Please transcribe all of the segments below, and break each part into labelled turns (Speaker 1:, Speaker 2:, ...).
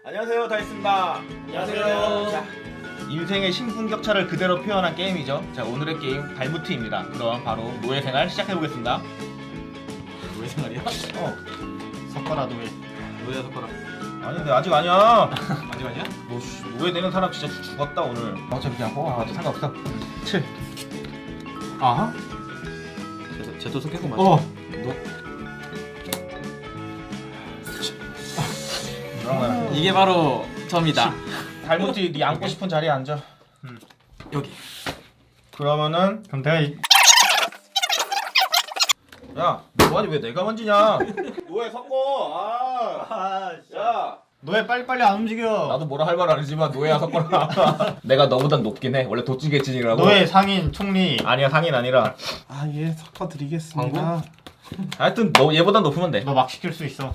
Speaker 1: 안녕하세요, 다이스입니다.
Speaker 2: 안녕하세요.
Speaker 1: 자, 인생의 신분격차를 그대로 표현한 게임이죠. 자, 오늘의 게임 달무트입니다. 그럼 바로 노예생활 시작해보겠습니다.
Speaker 2: 노예생활이야?
Speaker 1: 섞어라 노예.
Speaker 2: 노예야 섞어라.
Speaker 1: 아닌데 아직 아니야.
Speaker 2: 아직 아니야?
Speaker 1: 너 노예 되는 사람 진짜 죽었다 오늘. 어차피 그냥 뽑아봐도 상관없어. 7.
Speaker 2: 아하? 쟤도 섞였구만.
Speaker 1: 그러면
Speaker 2: 이게 바로 저입니다.
Speaker 1: 달무트 네 앉고 싶은 자리에 앉아.
Speaker 2: 여기.
Speaker 1: 그러면은
Speaker 3: 그럼 내가
Speaker 1: 야, 너아니 왜 내가 만지냐? 노예 섞어. 야.
Speaker 3: 너왜 빨리빨리 안 움직여?
Speaker 1: 나도 뭐라 할 말 아니지만 노예야 섞어라. 내가 너보단 높긴 해. 원래 도찌개찐이라고.
Speaker 3: 너의 상인 총리.
Speaker 1: 아니야, 상인 아니라.
Speaker 4: 예, 섞어드리겠습니다.
Speaker 1: 하여튼 너 얘보단 높으면 돼.
Speaker 3: 너 막 시킬 수 있어.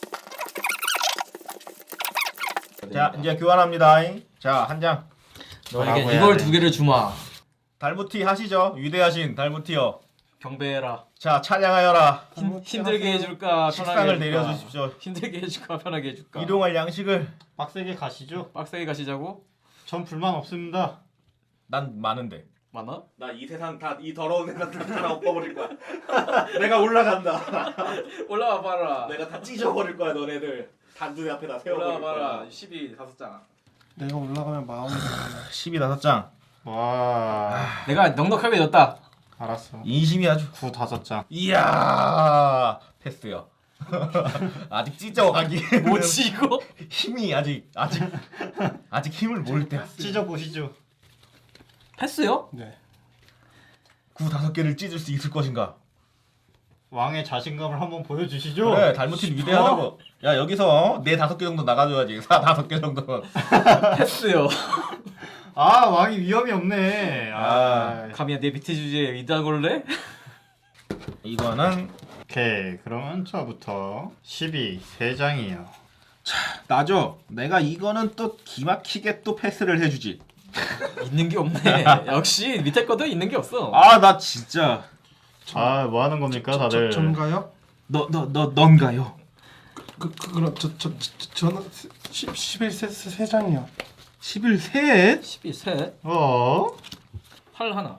Speaker 1: 자, 이제 교환합니다. 자, 한 장.
Speaker 3: 뭐라고
Speaker 2: 너에게
Speaker 3: 해야
Speaker 2: 이걸
Speaker 3: 돼?
Speaker 2: 2개를 주마.
Speaker 1: 달무티 하시죠. 위대하신 달무티여.
Speaker 2: 경배해라.
Speaker 1: 자, 찬양하여라.
Speaker 2: 힘들게 해줄까 편하게
Speaker 1: 식상을
Speaker 2: 해줄까.
Speaker 1: 내려주십시오.
Speaker 2: 힘들게 해줄까 편하게 해줄까.
Speaker 1: 이동할 양식을.
Speaker 3: 빡세게 가시죠.
Speaker 2: 빡세게 가시자고.
Speaker 3: 전 불만 없습니다.
Speaker 1: 난 많은데.
Speaker 2: 많아?
Speaker 1: 나 이 세상 다 이 더러운 세상 다 엎어버릴 거야. 내가 올라간다.
Speaker 2: 올라와 봐라.
Speaker 1: 내가 다 찢어버릴 거야, 너네들. 단두대 앞에다 세워버릴
Speaker 2: 올라와 봐라.
Speaker 1: 거야.
Speaker 2: 12 5장.
Speaker 4: 내가 올라가면 마음이
Speaker 1: 15장.
Speaker 3: 와.
Speaker 2: 내가 넉넉하게 넣었다.
Speaker 3: 알았어.
Speaker 1: 인심이 아주.
Speaker 3: 9 5장.
Speaker 1: 이야. 패스요. 아직 찢어가기.
Speaker 2: 뭐지 이거?
Speaker 1: 힘이 아직 힘을 모을 때야.
Speaker 3: 찢어 보시죠.
Speaker 2: 패스요?
Speaker 4: 네.
Speaker 1: 9 5개를 찢을 수 있을 것인가?
Speaker 3: 왕의 자신감을 한번 보여주시죠.
Speaker 1: 그래, 달무티는 위대하다고. 야, 여기서 내 5개 정도 나가줘야지. 5개 정도는.
Speaker 2: 패스요.
Speaker 3: 아 왕이 위험이 없네.
Speaker 2: 감히 내 밑에 주제에 이단 걸래?
Speaker 1: 이거는
Speaker 3: 오케이. 그러면 저부터 12 3장이요.
Speaker 1: 나죠. 내가 이거는 또 기막히게 또 패스를 해주지.
Speaker 2: 있는 게 없네. 역시 밑에 거도 있는 게 없어.
Speaker 1: 아, 나 진짜.
Speaker 3: 아 뭐 하는 겁니까 다들?
Speaker 4: 전가요?
Speaker 1: 넌가요?
Speaker 4: 그럼 저는 11세 세 장이요.
Speaker 1: 11셋?
Speaker 2: 12셋
Speaker 3: 어?
Speaker 2: 8 하나.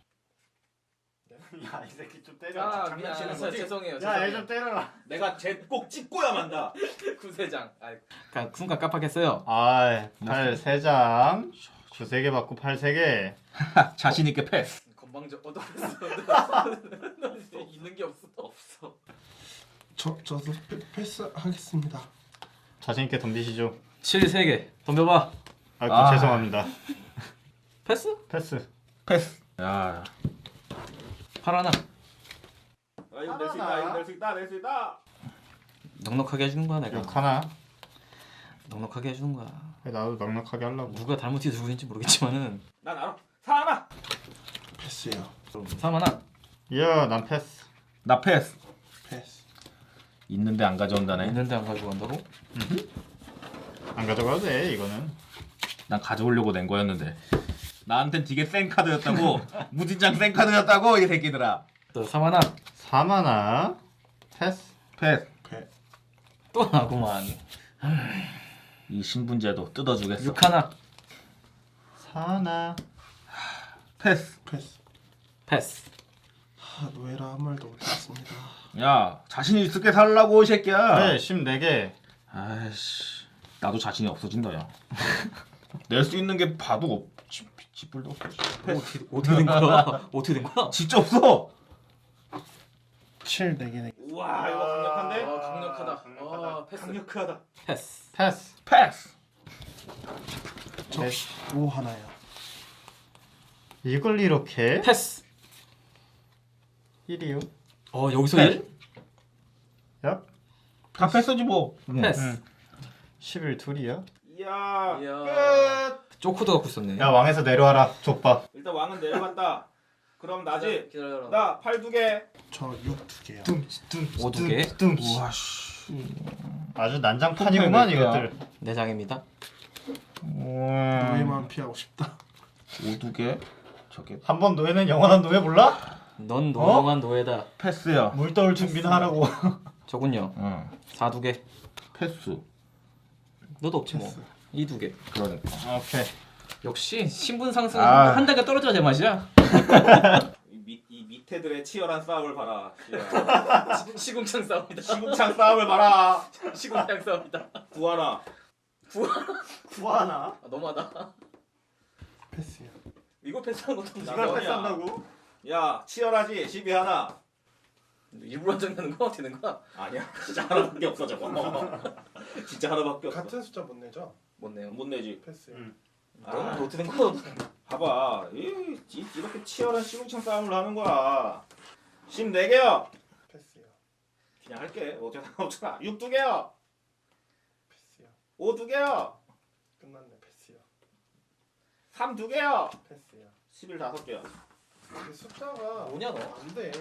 Speaker 3: 야 이 새끼 좀
Speaker 2: 아 미안. 죄송해요.
Speaker 3: 야얘 좀 때려라.
Speaker 1: 내가 쟤 꼭 찍고야 만다.
Speaker 2: 9세장. 그러니까 순간 깜빡했어요.
Speaker 3: 8 3장. 9 3개 받고 8 3개.
Speaker 1: 자신 있게 패스.
Speaker 2: 건방져 얻어냈어. 있는 게 없어.
Speaker 4: 저도 패스하겠습니다.
Speaker 3: 자신 있게 덤비시죠.
Speaker 2: 7 3개. 덤벼봐.
Speaker 3: 아이고
Speaker 1: 아.
Speaker 3: 죄송합니다.
Speaker 2: 패스?
Speaker 3: 패스.
Speaker 1: 야.
Speaker 2: 8 하나.
Speaker 1: 이거 낼 수 있다. 이거 낼 수 있다. 낼 수 있다.
Speaker 2: 넉넉하게 해주는 거야 내가.
Speaker 3: 6 하나.
Speaker 2: 넉넉하게 해주는 거야.
Speaker 3: 나도 넉넉하게 하려고.
Speaker 2: 누가 잘못해서 누구 있는지 모르겠지만은
Speaker 1: 난 알아. 4 하나.
Speaker 4: 패스요.
Speaker 2: 3 하나.
Speaker 3: 이야 난 패스.
Speaker 1: 나 패스.
Speaker 4: 패스.
Speaker 1: 있는데 안 가져온다네.
Speaker 2: 있는데 안 가지고 간다고?
Speaker 3: 안 가져가도 돼 이거는.
Speaker 1: 난 가져오려고 낸 거였는데. 나한텐 되게 센 카드였다고. 무진장 센 카드였다고 이 새끼들아.
Speaker 2: 또 3 하나.
Speaker 3: 3 하나. 패스.
Speaker 1: 패스.
Speaker 2: 또 나구만.
Speaker 1: 이 신분제도 뜯어주겠어.
Speaker 2: 6 하나.
Speaker 3: 4 하나.
Speaker 1: 패스.
Speaker 2: 패스.
Speaker 4: 노예라 한 말도 못했습니다.
Speaker 1: 야, 자신 있게 살라고 이 새끼야.
Speaker 3: 그래 14개.
Speaker 1: 아이씨, 나도 자신이 없어진다 야. 낼 수 있는 게 봐도 지뿔도 없어.
Speaker 2: 어떻게 된 거야? 어떻게 된 거야?
Speaker 1: 진짜 없어.
Speaker 4: 7 4개.
Speaker 1: 우와, 이거 강력한데?
Speaker 2: 강력하다. 패스.
Speaker 1: 강력하다.
Speaker 2: 패스.
Speaker 3: 패스.
Speaker 1: 패스.
Speaker 4: 저 5 하나요.
Speaker 3: 이걸 이렇게
Speaker 2: 패스.
Speaker 3: 1이요.
Speaker 2: 여기서
Speaker 1: 패스.
Speaker 2: 1?
Speaker 3: 야.
Speaker 1: 다 패스지 뭐.
Speaker 2: 패스.
Speaker 3: 11 둘이야.
Speaker 1: 이야.
Speaker 2: 이야.
Speaker 1: 끝.
Speaker 2: 쪼코도 갖고 있었네.
Speaker 3: 야 왕에서 내려와라 족밥.
Speaker 1: 일단 왕은 내려갔다. 그럼 나지.
Speaker 2: 기다려라.
Speaker 1: 나 8 2개.
Speaker 4: 저 6 2개요.
Speaker 3: 뚱뚱.
Speaker 2: 5 2개.
Speaker 3: 뚱.
Speaker 1: 우와 씨.
Speaker 3: 아주 난장판이구만
Speaker 1: 몇 개야?
Speaker 3: 이것들.
Speaker 2: 4장입니다.
Speaker 1: 우와.
Speaker 4: 노예만 피하고 싶다.
Speaker 1: 5 2개. 저게
Speaker 3: 한번 노예는 영원한 노예 몰라?
Speaker 2: 넌 노영한 노예다.
Speaker 1: 패스야.
Speaker 3: 물 떠올 준비는 하라고.
Speaker 2: 저군요.
Speaker 1: 응.
Speaker 2: 4 2개.
Speaker 1: 패스.
Speaker 2: 너도 없지 뭐.
Speaker 4: 패스.
Speaker 2: 이 두 개.
Speaker 1: 그러니까.
Speaker 3: 오케이.
Speaker 2: 역시 신분 상승
Speaker 1: 아.
Speaker 2: 한 단계 떨어져야 제맛이야.
Speaker 1: 이 밑에들의 치열한 싸움을 봐라.
Speaker 2: 시궁창 싸움이다.
Speaker 1: 시궁창 싸움을 봐라.
Speaker 2: 시궁창 싸움이다.
Speaker 1: 구하나.
Speaker 3: 구하나?
Speaker 2: 아, 너무하다.
Speaker 4: 패스요.
Speaker 2: 이거 패스하는 것도
Speaker 3: 이걸 패스한다고?
Speaker 1: 야 치열하지 12 하나.
Speaker 2: 일부러 한장내는 거 되는 거야?
Speaker 1: 아니야 진짜 하나밖에 없어 저거. 진짜 하나밖에 없어.
Speaker 4: 같은 숫자 못 내죠?
Speaker 2: 못 내요.
Speaker 1: 못 내지.
Speaker 4: 패스요.
Speaker 2: 너는 어떻게 된 거야?
Speaker 1: 봐봐 이렇게 치열한 시궁창 싸움을 하는 거야. 14개요.
Speaker 4: 패스요.
Speaker 1: 그냥 할게. 어차피 상관없잖아. 6 2개요.
Speaker 4: 패스요.
Speaker 1: 5 2개요.
Speaker 4: 끝났네. 패스요.
Speaker 1: 3 2개요.
Speaker 4: 패스요.
Speaker 1: 11 5개요.
Speaker 4: 그 숫자가
Speaker 2: 뭐냐 너?
Speaker 4: 안 돼.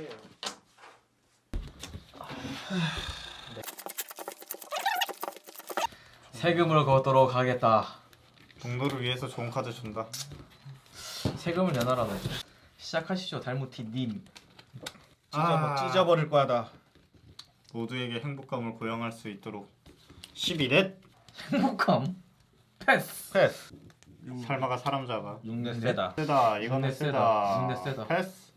Speaker 2: 세금을 걷도록 하겠다.
Speaker 3: 동료를 위해서 좋은 카드 준다.
Speaker 2: 세금을 내놔라 너. 시작하시죠 달무티 님.
Speaker 1: 찢어버릴 거야 다.
Speaker 3: 모두에게 행복감을 고양할 수 있도록 12넷.
Speaker 2: 행복함. 패스.
Speaker 1: 패스.
Speaker 3: 살마가 사람 잡아.
Speaker 1: 6넷 세다.
Speaker 3: 세다. 이거는
Speaker 2: 육넷
Speaker 3: 세다.
Speaker 2: 육넷 세다.
Speaker 3: 패스.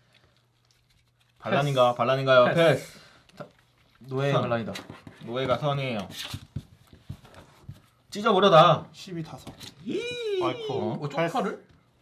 Speaker 1: 반란인가요? 패스.
Speaker 2: 노예
Speaker 1: 선.
Speaker 2: 반란이다.
Speaker 1: 노예가 선이에요. 찢어버려 다.
Speaker 4: 12 다섯.
Speaker 3: 아이코.
Speaker 2: 어, 쪽파를?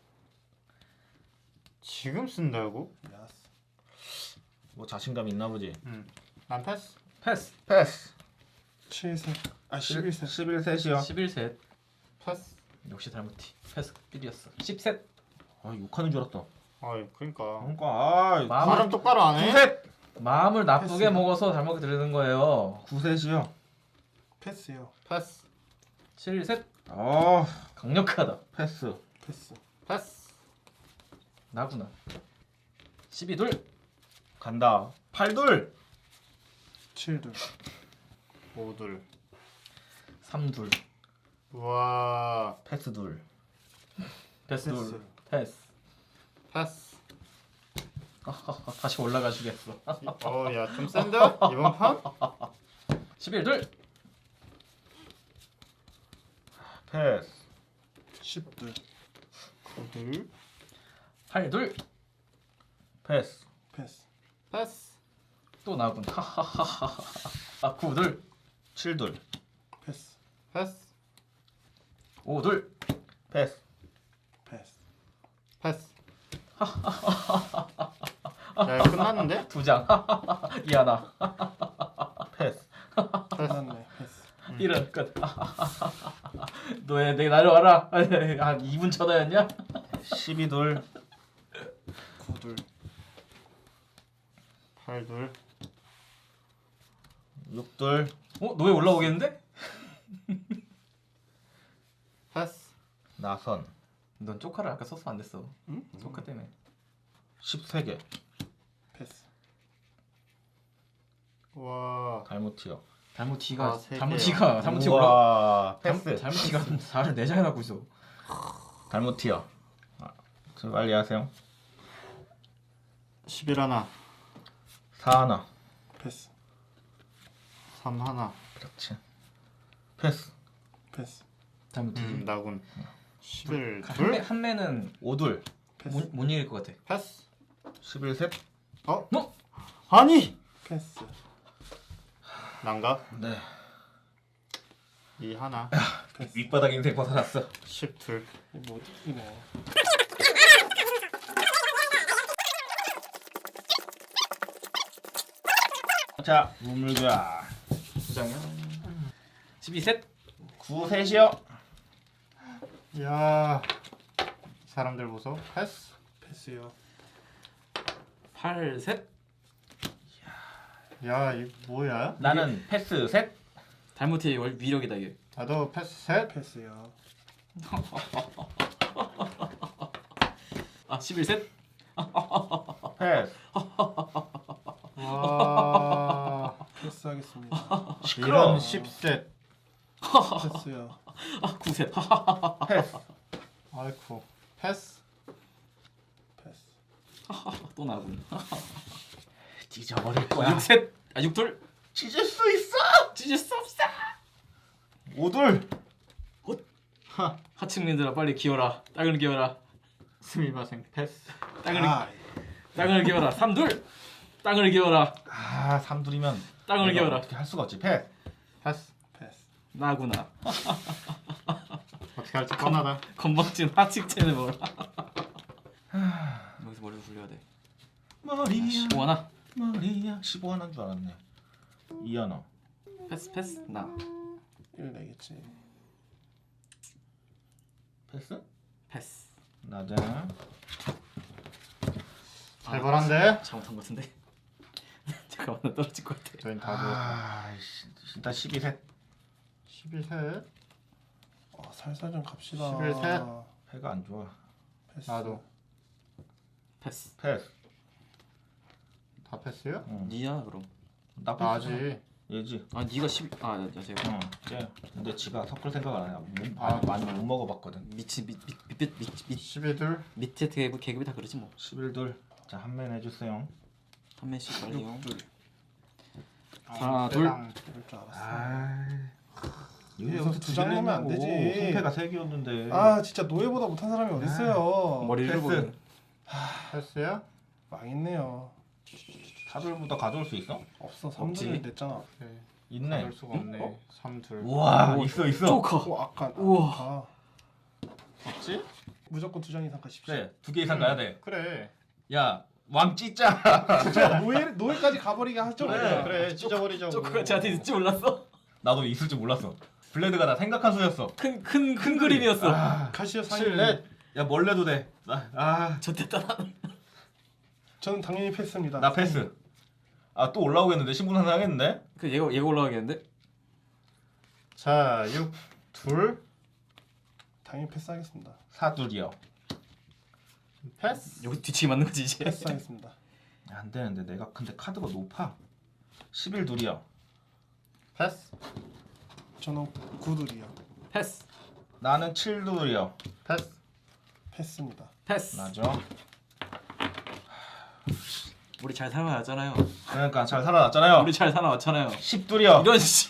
Speaker 3: 지금 쓴다고?
Speaker 4: 야스.
Speaker 1: 뭐 자신감 있나 보지.
Speaker 3: 난 패스.
Speaker 2: 패스.
Speaker 1: 패스.
Speaker 4: 7셋. 아 11셋.
Speaker 1: 11셋이요.
Speaker 2: 11셋.
Speaker 3: 패스.
Speaker 2: 역시 달무티. 패스 삘이었어. 10셋.
Speaker 1: 아 6하는 줄 알았다.
Speaker 3: 아이 그러니까.
Speaker 1: 그러니까 아
Speaker 3: 발음 똑바로 안 해?
Speaker 1: 9셋.
Speaker 2: 마음을 나쁘게
Speaker 4: 패스요.
Speaker 2: 먹어서 잘못 들리는 거예요.
Speaker 1: 9셋이요.
Speaker 4: 패스요.
Speaker 3: 패스.
Speaker 2: 7셋.
Speaker 1: 아
Speaker 2: 강력하다.
Speaker 1: 패스.
Speaker 4: 패스.
Speaker 3: 패스.
Speaker 2: 나구나. 12둘.
Speaker 1: 간다. 8둘.
Speaker 4: 7둘.
Speaker 3: 5둘.
Speaker 2: 3둘.
Speaker 3: 우와.
Speaker 1: 패스 둘.
Speaker 2: 패스
Speaker 4: 패스.
Speaker 2: 둘. 패스.
Speaker 3: 패스.
Speaker 2: 다시 올라가시겠어.
Speaker 3: 어야 좀 센데? 이번 판?
Speaker 2: 11둘.
Speaker 1: 패스.
Speaker 4: 10둘.
Speaker 3: 9둘.
Speaker 2: 8둘.
Speaker 1: 패스.
Speaker 4: 패스.
Speaker 3: 패스.
Speaker 2: 또 나군. 아 9둘.
Speaker 1: 7둘.
Speaker 4: 패스.
Speaker 3: 패스.
Speaker 2: 5둘.
Speaker 1: 패스.
Speaker 4: 패스.
Speaker 3: 패스. 야 이거 끝났는데?
Speaker 2: 2장. 이하나.
Speaker 1: 패스.
Speaker 4: 끝났네. 패스.
Speaker 2: 이런 끝. 너의 내 날려와라. 한 2분 쳐다였냐?
Speaker 1: 12둘.
Speaker 4: 9둘.
Speaker 3: 8둘.
Speaker 1: 6둘.
Speaker 2: 너왜 올라오겠는데?
Speaker 3: 패스.
Speaker 1: 나선.
Speaker 2: 넌 쪼카를 아까 썼으면 안 됐어.
Speaker 4: 응?
Speaker 2: 쪼카 때문에.
Speaker 1: 13개.
Speaker 4: 패스.
Speaker 3: 와.
Speaker 1: 달무티요.
Speaker 2: 달무티가
Speaker 3: 세
Speaker 2: 달무티가 올라.
Speaker 1: 우와. 패스.
Speaker 2: 달무티가 4를 4장 해갖고 있어.
Speaker 1: 달무티요. 저 빨리 하세요.
Speaker 3: 11 하나.
Speaker 1: 4 하나.
Speaker 4: 패스.
Speaker 3: 3 하나.
Speaker 1: 그렇지. 패스.
Speaker 4: 패스.
Speaker 2: 달무티.
Speaker 3: 나군. 11
Speaker 2: 한
Speaker 3: 둘.
Speaker 2: 매는
Speaker 1: 5둘.
Speaker 4: 패스.
Speaker 2: 못 이길 것 같아.
Speaker 3: 패스.
Speaker 1: 11셋.
Speaker 3: 어?
Speaker 2: 너?
Speaker 3: 아니.
Speaker 4: 패스.
Speaker 3: 난가?
Speaker 1: 네.
Speaker 3: 2 하나.
Speaker 4: 패스.
Speaker 1: 윗바닥 인생 벗어났어.
Speaker 3: 10 둘.
Speaker 4: 못 이기네.
Speaker 1: 자, 우물가.
Speaker 2: 2장이야. 12셋.
Speaker 1: 9셋이요.
Speaker 3: 야. 이 사람들 보소. 패스.
Speaker 4: 패스요.
Speaker 2: 8셋.
Speaker 3: 야, 이 뭐야?
Speaker 1: 나는 패스 셋.
Speaker 2: 달무티의 위력이다 이게.
Speaker 3: 나도 패스 셋.
Speaker 4: 패스요.
Speaker 2: 아 11셋.
Speaker 1: 패스.
Speaker 3: 와.
Speaker 4: 패스하겠습니다.
Speaker 3: 이런 10셋.
Speaker 4: 패스요.
Speaker 2: 9셋.
Speaker 1: 패스.
Speaker 3: 아이쿠. 패스.
Speaker 4: 패스.
Speaker 2: 또 나군.
Speaker 1: 찢어버릴 거야.
Speaker 2: 6셋. 아 6둘.
Speaker 1: 찢을 수 있어.
Speaker 2: 찢을 수 없어.
Speaker 1: 5둘.
Speaker 2: 하층민들아 빨리 기어라. 땅을 기어라.
Speaker 3: 스미마생 패스.
Speaker 2: 땅을 기어라. 3둘. 땅을 기어라.
Speaker 1: 3둘이면
Speaker 2: 땅을 기어라.
Speaker 1: 어떻게 할 수가 없지. 패스.
Speaker 3: 패스.
Speaker 4: 패스.
Speaker 2: 나구나.
Speaker 3: 어떻게 할지 뻔하다.
Speaker 2: 건방진 하층체를 먹어라. 여기서 머리를 굴려야 돼.
Speaker 1: 머리야.
Speaker 2: 15하나.
Speaker 1: 머리야. 15 하나인 줄 알았네. 2 하나.
Speaker 2: 패스. 나.
Speaker 4: 1 내겠지.
Speaker 1: 패스?
Speaker 2: 패스.
Speaker 1: 나자.
Speaker 3: 살벌한데?
Speaker 2: 잘못한 것 같은데. 잠깐만 나 떨어질 것 같아.
Speaker 3: 저희는 다 좋았다.
Speaker 1: 일단 12셋.
Speaker 3: 11셋.
Speaker 4: 살살 좀 갑시다.
Speaker 3: 11 셋.
Speaker 1: 패가 안 좋아.
Speaker 4: 패스.
Speaker 3: 나도.
Speaker 2: 패스.
Speaker 1: 패스.
Speaker 3: 다 패스요?
Speaker 1: 응.
Speaker 2: 니야 그럼.
Speaker 1: 나 패스.
Speaker 3: 나지.
Speaker 1: 얘지.
Speaker 2: 아 니가 10. 야 제가.
Speaker 1: 응. 쟤. 근데 지가 섞을 생각을 안 해.
Speaker 3: 아.
Speaker 1: 많이 못 먹어봤거든.
Speaker 2: 밑
Speaker 3: 12둘.
Speaker 2: 밑에 계급이 다 그러지 뭐.
Speaker 1: 11둘. 자, 한 맨 해주세요.
Speaker 2: 한 명씩 빨리요.
Speaker 4: 6둘.
Speaker 2: 하나, 둘.
Speaker 4: 이럴 줄 알았어. 여기서 두장 넣으면 안 되지.
Speaker 1: 손패가 3개였는데.
Speaker 4: 진짜 노예보다 못한 사람이 어딨어요.
Speaker 2: 머리를
Speaker 1: 패스.
Speaker 2: 보는.
Speaker 3: 패스야?
Speaker 4: 망했네요.
Speaker 1: 카드부터 가져올 수 있어?
Speaker 4: 없어.
Speaker 2: 없지.
Speaker 4: 3둘 냈잖아.
Speaker 3: 네.
Speaker 1: 있네.
Speaker 3: 가질 수가 없네. 3둘.
Speaker 1: 우와,
Speaker 2: 오,
Speaker 1: 있어.
Speaker 2: 조커.
Speaker 4: 아까.
Speaker 2: 우와.
Speaker 3: 있지?
Speaker 4: 무조건 2장 이상 가십시오.
Speaker 1: 그래, 2개 이상 가야 돼.
Speaker 3: 그래.
Speaker 1: 야, 왕 찢자.
Speaker 4: 진짜 노예까지 가버리게 하죠.
Speaker 1: 그래,
Speaker 3: 그래. 찢어버리자고.
Speaker 2: 조커가 쟤한테 있을지 몰랐어.
Speaker 1: 나도 있을 줄 몰랐어. 블레드가 나 생각한 수였어.
Speaker 2: 큰 그림이었어.
Speaker 4: 가시오 상인.
Speaker 1: 7넷. 야, 뭘 내도 돼.
Speaker 2: 저때다 나는.
Speaker 4: 저는 당연히 패스입니다.
Speaker 1: 나 패스. 또 올라오겠는데? 신분 하나 하겠는데?
Speaker 2: 그 얘가 올라가겠는데?
Speaker 3: 자, 6 둘.
Speaker 4: 당연히 패스하겠습니다.
Speaker 1: 4둘이요.
Speaker 3: 패스.
Speaker 2: 여기 뒤치기 맞는 거지 이제.
Speaker 4: 패스하겠습니다.
Speaker 1: 안 되는데 내가 근데 카드가 높아. 11둘이요.
Speaker 3: 패스.
Speaker 4: 저는 9둘이요.
Speaker 2: 패스.
Speaker 1: 나는 7둘이요.
Speaker 3: 패스.
Speaker 4: 패스입니다.
Speaker 2: 패스.
Speaker 1: 맞아.
Speaker 2: 우리 잘 살아왔잖아요.
Speaker 1: 그러니까 잘 살아났잖아요.
Speaker 2: 우리 잘 살아왔잖아요.
Speaker 1: 10둘이요.
Speaker 2: 이런 씨.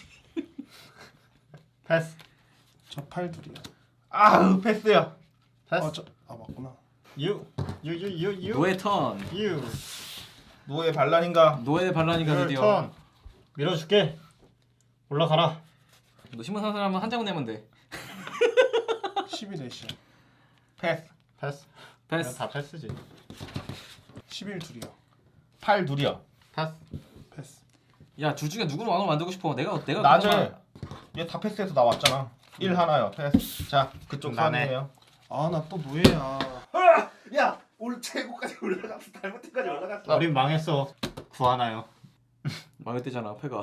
Speaker 3: 패스.
Speaker 4: 저 8둘이요.
Speaker 1: 패스요.
Speaker 3: 패스.
Speaker 4: 맞구나.
Speaker 3: 6.
Speaker 2: 노예 턴.
Speaker 3: 6.
Speaker 1: 노예 반란인가?
Speaker 2: 노예 반란이가 드디어.
Speaker 3: 턴. 밀어줄게. 올라가라.
Speaker 2: 너 신문 산 사람은 한 장은 내면 돼.
Speaker 4: 11넷이요.
Speaker 1: 패스.
Speaker 3: 패스.
Speaker 2: 패스.
Speaker 3: 다 패스지.
Speaker 4: 11둘이요.
Speaker 1: 8둘이요.
Speaker 3: 패스.
Speaker 4: 패스.
Speaker 2: 야, 둘 중에 누구를 왕으로 만들고 싶어? 내가
Speaker 1: 낮에
Speaker 2: 그나마-
Speaker 1: 얘 다 패스해서 나왔잖아. 1 하나요. 패스. 자, 그쪽
Speaker 3: 나네.
Speaker 1: 선이에요.
Speaker 4: 나 또 노예야.
Speaker 1: 야, 올 최고까지 올라갔어. 잘못까지 올라갔어.
Speaker 3: 우린 망했어. 구하나요?
Speaker 2: 망했대잖아, 패가.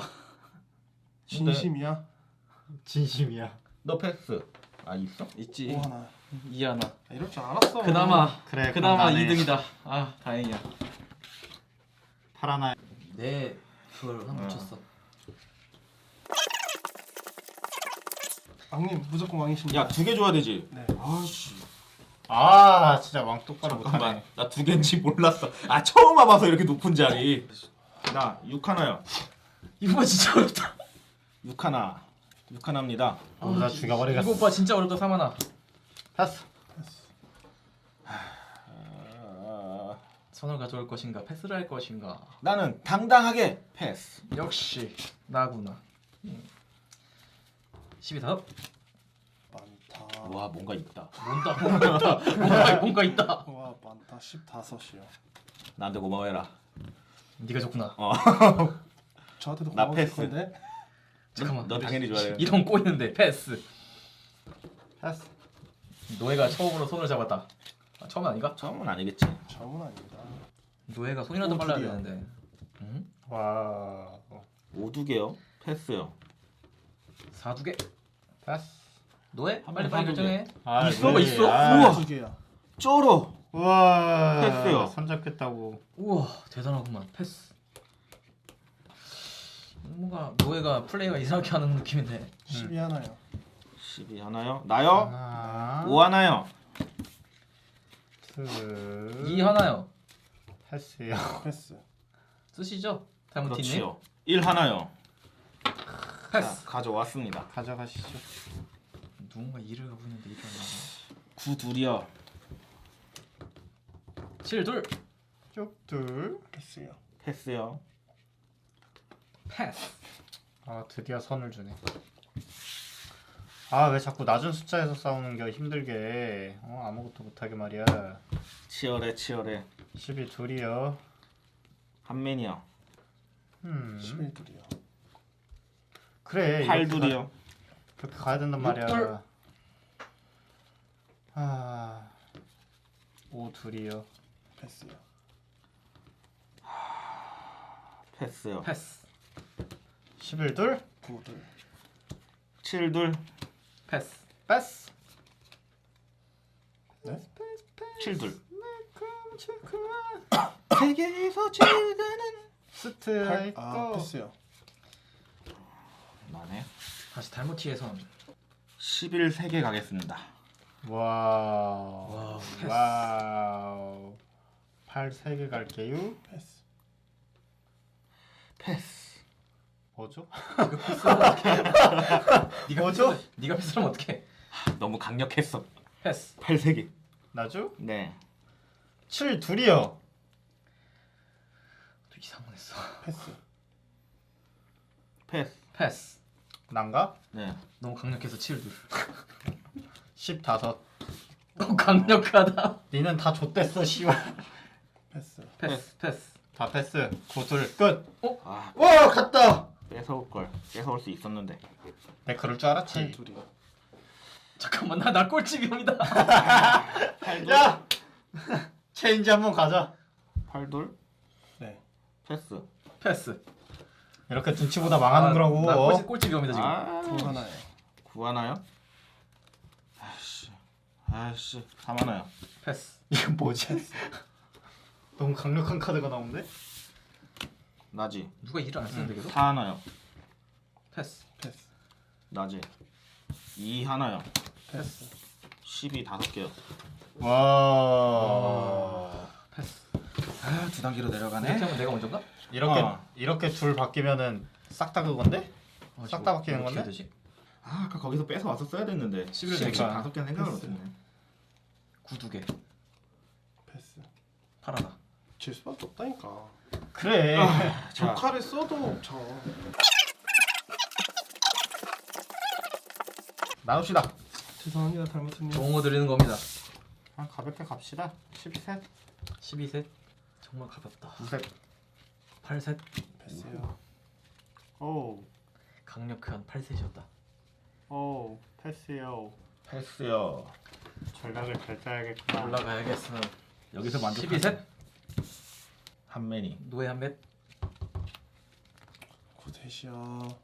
Speaker 4: 진심이야.
Speaker 3: 진심이야.
Speaker 1: 너 패스. 있어?
Speaker 2: 있지.
Speaker 4: 오 하나.
Speaker 2: 이 하나.
Speaker 4: 이럴 줄 알았어.
Speaker 3: 그래.
Speaker 2: 그나마
Speaker 3: 그럼 나네.
Speaker 2: 2등이다. 다행이야.
Speaker 3: 파라나.
Speaker 2: 네, 그걸 한 붙였어.
Speaker 4: 왕님 무조건 왕이십니다.
Speaker 1: 야, 2개 줘야 되지.
Speaker 4: 네.
Speaker 3: 진짜 왕 똑바로
Speaker 1: 잠깐만.
Speaker 3: 못하네.
Speaker 1: 나 2개인지 몰랐어. 처음 와봐서 이렇게 높은 자리. 나 6 하나요.
Speaker 2: 이거 진짜 어렵다.
Speaker 1: 6 하나. 6 하나입니다.
Speaker 3: 나 죽여버리겠어.
Speaker 2: 이거 오빠 진짜 어렵다, 사만아.
Speaker 3: 패스.
Speaker 2: 선을 가져올 것인가, 패스를 할 것인가.
Speaker 1: 나는 당당하게 패스.
Speaker 2: 역시 나구나. 12다.
Speaker 4: 많다.
Speaker 1: 와, 뭔가 있다.
Speaker 2: 뭔가 있다.
Speaker 4: 와 많다. 15이요.
Speaker 1: 나한테 고마워해라.
Speaker 2: 네가 좋구나.
Speaker 4: 저한테도
Speaker 1: 나
Speaker 4: 고마우실
Speaker 1: 패스.
Speaker 4: 건데.
Speaker 2: 잠깐만.
Speaker 1: 너 당연히 좋아해.
Speaker 2: 이런 꼬이는데 패스.
Speaker 3: 패스.
Speaker 2: 노예가 처음으로 손을 잡았다. 처음은 아닌가?
Speaker 1: 처음은 아니겠지.
Speaker 4: 처음은 아닙니다.
Speaker 2: 노예가 손이라도
Speaker 4: 오,
Speaker 2: 빨라야
Speaker 4: 드디어.
Speaker 2: 되는데.
Speaker 3: 와.
Speaker 1: 5두개요. 패스요.
Speaker 2: 4두개.
Speaker 3: 패스.
Speaker 2: 노예?
Speaker 1: 한
Speaker 2: 빨리
Speaker 1: 번
Speaker 2: 결정해.
Speaker 1: 있어?
Speaker 3: 네.
Speaker 1: 있어?
Speaker 2: 우와.
Speaker 4: 2개야.
Speaker 1: 쩔어.
Speaker 3: 우와.
Speaker 1: 패스요.
Speaker 3: 손잡겠다고.
Speaker 2: 우와, 대단하구만. 패스. 뭔가 노예가 플레이가 이상하게 하는 느낌인데.
Speaker 4: 12 하나요.
Speaker 1: 12 하나요. 나요.
Speaker 3: 하나.
Speaker 1: 5 하나요.
Speaker 3: 둘.
Speaker 2: 2 하나요.
Speaker 3: 패스요.
Speaker 4: 패스.
Speaker 2: 쓰시죠? 잘못했니?
Speaker 1: 그렇지요. 1 하나요.
Speaker 2: 패스.
Speaker 1: 자, 가져왔습니다.
Speaker 3: 가져가시죠.
Speaker 2: 누군가 일을 하고 있는데 일을 안 하네.
Speaker 1: 9 둘이요.
Speaker 2: 7 둘.
Speaker 3: 쭉둘.
Speaker 4: 패스요.
Speaker 1: 패스요.
Speaker 2: 패스.
Speaker 3: 아 드디어 선을 주네. 아 왜 자꾸 낮은 숫자에서 싸우는 게 힘들게. 아무것도 못하게 말이야.
Speaker 1: 치열해 치열해.
Speaker 3: 12 둘이요.
Speaker 1: 한맨이요.
Speaker 4: 11둘이요.
Speaker 3: 그래.
Speaker 1: 8
Speaker 3: 이렇게
Speaker 1: 둘이요.
Speaker 3: 그렇게 가야 된단
Speaker 2: 육
Speaker 3: 말이야.
Speaker 2: 둘.
Speaker 3: 아, 5 둘이요.
Speaker 4: 패스요.
Speaker 1: 패스요.
Speaker 2: 패스.
Speaker 3: 11 둘.
Speaker 4: 9둘.
Speaker 1: 7 둘.
Speaker 2: 패스.
Speaker 3: 패스.
Speaker 4: 네?
Speaker 1: 7 둘.
Speaker 3: 세계에서 제일 가는 스트라이커.
Speaker 4: 아 패스요.
Speaker 1: 나네.
Speaker 2: 다시 달모티의 선.
Speaker 1: 11 3개 가겠습니다.
Speaker 3: 와우.
Speaker 2: 패스.
Speaker 3: 와우. 8 3개 갈게요.
Speaker 4: 패스.
Speaker 1: 패스.
Speaker 3: 뭐죠?
Speaker 2: 네가
Speaker 3: 뭐죠?
Speaker 2: 패스. 네가 패스하면 어떡해?
Speaker 1: 너무 강력했어.
Speaker 2: 패스.
Speaker 1: 8 3개.
Speaker 3: 나죠?
Speaker 1: 네.
Speaker 3: 7 둘이요.
Speaker 2: 또 이상했어.
Speaker 4: 패스.
Speaker 1: 패스.
Speaker 2: 패스.
Speaker 3: 난가?
Speaker 1: 네.
Speaker 2: 너무 강력해서 7 둘.
Speaker 3: 15.
Speaker 2: 너무 강력하다.
Speaker 3: 니는 다 좆됐어 씨발.
Speaker 4: 패스.
Speaker 2: 패스. 패스.
Speaker 3: 다 패스. 9 둘 끝.
Speaker 1: 아,
Speaker 3: 와 갔다.
Speaker 1: 뺏어올 걸. 뺏어올 수 있었는데.
Speaker 3: 내 그럴 줄 알았지.
Speaker 4: 8둘이요.
Speaker 2: 잠깐만 나 꼴찌병이다.
Speaker 3: 야. 체인지 한번 가자.
Speaker 1: 8 둘.
Speaker 4: 네.
Speaker 1: 패스.
Speaker 2: 패스.
Speaker 3: 이렇게 눈치보다 망하는 거라고.
Speaker 2: 나 꼴찌병이다 지금.
Speaker 1: 아,
Speaker 4: 9 하나요.
Speaker 1: 9 하나요? 아씨 3 하나요.
Speaker 2: 패스.
Speaker 3: 이건 뭐지? 너무 강력한 카드가 나오는데?
Speaker 1: 나지.
Speaker 2: 누가 일을 안 쓰는데 계속?
Speaker 1: 4 하나요.
Speaker 2: 패스.
Speaker 4: 패스.
Speaker 1: 나지. 2 하나요.
Speaker 4: 패스.
Speaker 1: 12 5개요.
Speaker 3: 와.
Speaker 2: 패스.
Speaker 1: 아, 두 단계로
Speaker 2: 이렇게
Speaker 1: 내려가네.
Speaker 2: 하면 내가 먼저인가?
Speaker 3: 이렇게 둘 바뀌면은 싹 다 그건데? 싹 다 바뀌는
Speaker 2: 어떻게
Speaker 3: 건데?
Speaker 2: 해야 되지?
Speaker 1: 아, 아까 거기서 뺏어 왔었어야 됐는데.
Speaker 2: 11
Speaker 3: 그러니까.
Speaker 1: 5개는 생각을
Speaker 4: 패스.
Speaker 1: 못했네.
Speaker 2: 9 2개.
Speaker 4: 패스.
Speaker 2: 파라다.
Speaker 4: 질 수밖에 없다니까.
Speaker 3: 그래.
Speaker 1: 자,
Speaker 4: 칼을 써도 저.
Speaker 3: 나눕시다.
Speaker 4: 죄송합니다 달모트님.
Speaker 2: 좋은 거 드리는 겁니다.
Speaker 3: 아, 가볍게 갑시다. 13.
Speaker 2: 12셋. 정말 가볍다.
Speaker 3: 9셋.
Speaker 2: 8셋.
Speaker 4: 패스요.
Speaker 3: 오.
Speaker 2: 강력한 8셋이었다.
Speaker 3: 오. 패스요.
Speaker 1: 패스요.
Speaker 3: 전략을 잘 짜야겠구나.
Speaker 2: 올라가야겠어.
Speaker 1: 여기서 만족.
Speaker 2: 12셋.
Speaker 1: 한맨이.
Speaker 2: 노예 한 맷.
Speaker 4: 9셋이요.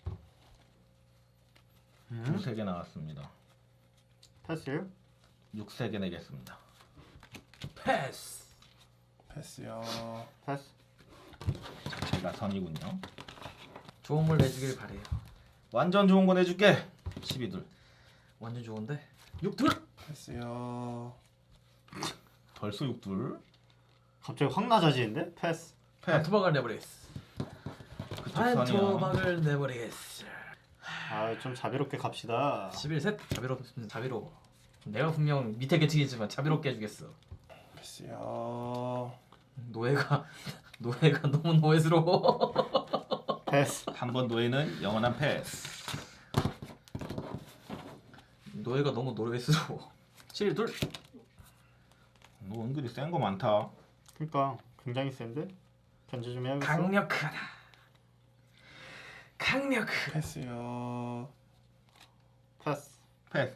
Speaker 1: 두세 개 나왔습니다.
Speaker 3: 패스요?
Speaker 1: 6 3개 내겠습니다.
Speaker 2: 패스.
Speaker 4: 패스요.
Speaker 3: 패스.
Speaker 1: 제가 선이군요.
Speaker 2: 좋은 걸 내주길 바래요.
Speaker 1: 완전 좋은 거 내줄게. 12둘.
Speaker 2: 완전 좋은데. 6둘.
Speaker 4: 패스요.
Speaker 1: 벌써 6둘.
Speaker 3: 갑자기 확 낮아지는데? 패스.
Speaker 2: 한 토막을 내버리겠어. 한
Speaker 1: 선이야.
Speaker 2: 토막을 내버리겠어.
Speaker 3: 아, 좀 자비롭게 갑시다.
Speaker 2: 11셋. 자비롭습니다. 자비로워. 내가 분명 밑에 계층이지만 자비롭게 해주겠어.
Speaker 4: 패스요.
Speaker 2: 노예가 너무 노예스러워.
Speaker 3: 패스.
Speaker 1: 한 번 노예는 영원한 패스.
Speaker 2: 노예가 너무 노예스러워. 7둘.
Speaker 1: 너 은근히 센 거 많다.
Speaker 3: 그러니까 굉장히 센데? 견제 좀 해야겠어.
Speaker 2: 강력하다. 강력하다.
Speaker 4: 패스요.
Speaker 3: 패스.
Speaker 1: 패스.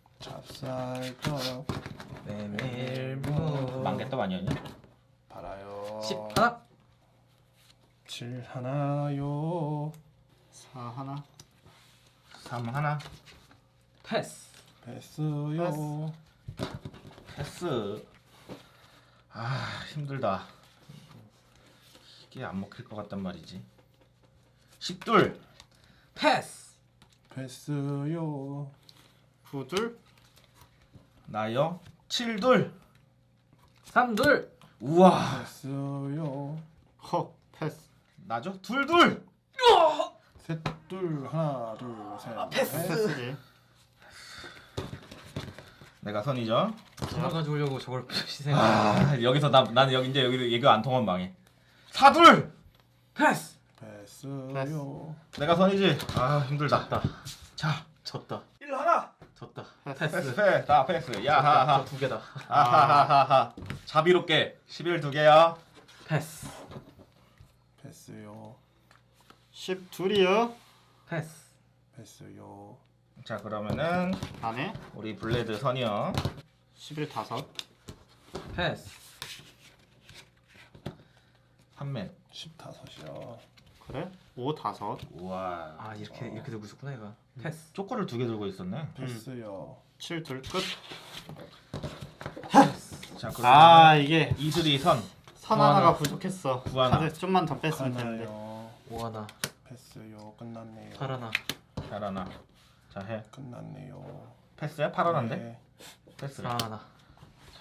Speaker 4: 찹쌀떡.
Speaker 2: 메밀무.
Speaker 1: 망개떡 아니었냐?
Speaker 4: 팔아요.
Speaker 2: 10 하나.
Speaker 4: 7 하나요.
Speaker 3: 4 하나.
Speaker 1: 3 하나.
Speaker 2: 패스.
Speaker 4: 패스요.
Speaker 1: 패스. 아, 힘들다. 이게 안 먹힐 것 같단 말이지. 10둘.
Speaker 2: 패스.
Speaker 4: 패스요.
Speaker 3: 9둘.
Speaker 1: 나요. 7둘.
Speaker 2: 3둘.
Speaker 1: 우와.
Speaker 4: 패스요.
Speaker 3: 허. 패스.
Speaker 1: 나죠? 둘둘.
Speaker 4: 셋, 둘, 하나, 둘, 셋.
Speaker 3: 패스지.
Speaker 1: 내가 선이죠.
Speaker 2: 저걸 가져오려고 저걸 희생.
Speaker 1: 여기서 난 여기 이제 여기 얘가 안 통하면 망해. 사둘.
Speaker 2: 패스.
Speaker 4: 패스요.
Speaker 1: 내가 선이지. 힘들다.
Speaker 2: 졌다.
Speaker 1: 자,
Speaker 2: 졌다.
Speaker 1: 1 하나.
Speaker 2: 졌다.
Speaker 1: 패스. 다 패스.
Speaker 2: 졌다.
Speaker 1: 야하하.
Speaker 2: 저 두 개다.
Speaker 1: 아하하하하. 자비롭게 11 두 개야.
Speaker 2: 패스.
Speaker 4: 패스요.
Speaker 3: 10 둘이요.
Speaker 2: 패스.
Speaker 4: 패스요.
Speaker 1: 자, 그러면은
Speaker 3: 안에
Speaker 1: 우리 블레드 선이요.
Speaker 3: 11 5.
Speaker 2: 패스.
Speaker 1: 판맨.
Speaker 4: 15이요.
Speaker 3: 그래? 5 5.
Speaker 1: 우와.
Speaker 2: 아 이렇게 들고 있었구나 얘가. 패스.
Speaker 1: 쪼꼬를 두 개 들고 있었네.
Speaker 4: 패스요.
Speaker 3: 7 둘 끝.
Speaker 1: 자, 그러면
Speaker 3: 이게
Speaker 1: 이슬이 선.
Speaker 3: 선
Speaker 2: 하나.
Speaker 3: 하나가 부족했어.
Speaker 1: 구 하나.
Speaker 3: 카드 좀만 더 뺐으면 되는데.
Speaker 4: 하나요.
Speaker 2: 5 하나.
Speaker 4: 패스요. 끝났네요.
Speaker 2: 8 하나.
Speaker 1: 잘하나. 자, 해.
Speaker 4: 끝났네요.
Speaker 1: 패스야? 8 하나인데?
Speaker 4: 네.
Speaker 1: 패스래.
Speaker 2: 4 하나.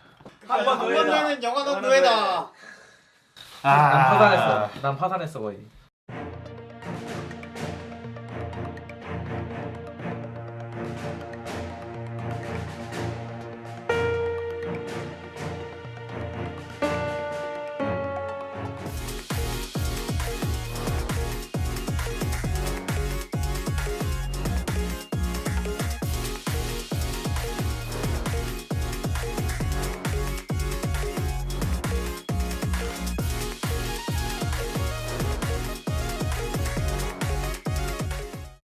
Speaker 3: 한번 노예는 영원한 노예다.
Speaker 2: 난 파산했어. 난 파산했어 거의.